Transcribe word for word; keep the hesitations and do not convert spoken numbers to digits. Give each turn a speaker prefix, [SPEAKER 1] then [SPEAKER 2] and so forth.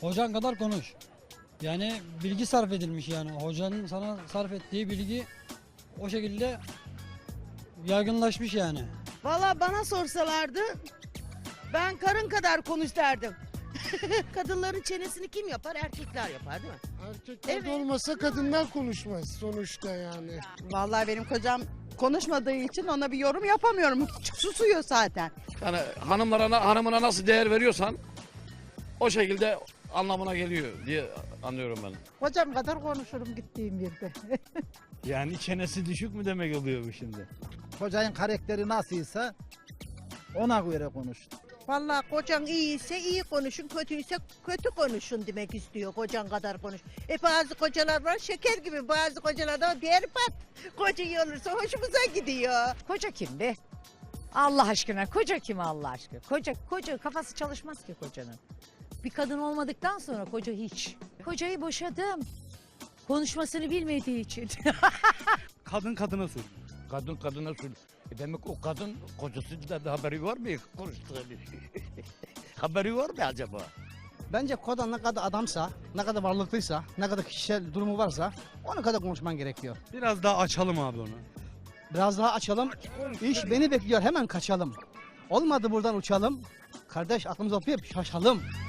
[SPEAKER 1] Hocan kadar konuş. Yani bilgi sarf edilmiş yani. Hocanın sana sarf ettiği bilgi o şekilde yaygınlaşmış yani.
[SPEAKER 2] Valla bana sorsalardı ben karın kadar konuş derdim. Kadınların çenesini kim yapar? Erkekler yapar değil mi?
[SPEAKER 3] Erkekler
[SPEAKER 2] Evet.
[SPEAKER 3] olmasa kadınlar konuşmaz sonuçta yani.
[SPEAKER 4] Vallahi benim kocam konuşmadığı için ona bir yorum yapamıyorum. Susuyor zaten.
[SPEAKER 5] Yani hanımlara, hanımına nasıl değer veriyorsan o şekilde anlamına geliyor diye anlıyorum ben.
[SPEAKER 4] Kocam kadar konuşurum gittiğim yerde.
[SPEAKER 6] Yani çenesi düşük mü demek oluyor bu şimdi?
[SPEAKER 7] Hocanın karakteri nasılsa ona göre konuş.
[SPEAKER 8] Vallahi kocan iyiyse iyi konuşun, kötüyse kötü konuşun demek istiyor kocan kadar konuş. E bazı kocalar var şeker gibi, bazı kocalar da berbat. Koca iyi olursa hoşumuza gidiyor.
[SPEAKER 9] Koca kim be? Allah aşkına koca kim Allah aşkına? Koca koca kafası çalışmaz ki kocanın. Bir kadın olmadıktan sonra koca hiç. Kocayı boşadım. Konuşmasını bilmediği için.
[SPEAKER 6] Kadın kadına sor.
[SPEAKER 5] Kadın kadına sür. E demek o kadın kocasından da haberi var mı konuştuğunu? Haberi var mı acaba?
[SPEAKER 7] Bence kodan ne kadar adamsa, ne kadar varlıklıysa, ne kadar kişisel durumu varsa onu kadar konuşman gerekiyor.
[SPEAKER 6] Biraz daha açalım abi onu.
[SPEAKER 7] Biraz daha açalım. İş beni bekliyor, hemen kaçalım. Olmadı buradan uçalım. Kardeş aklımızı okuyup şaşalım.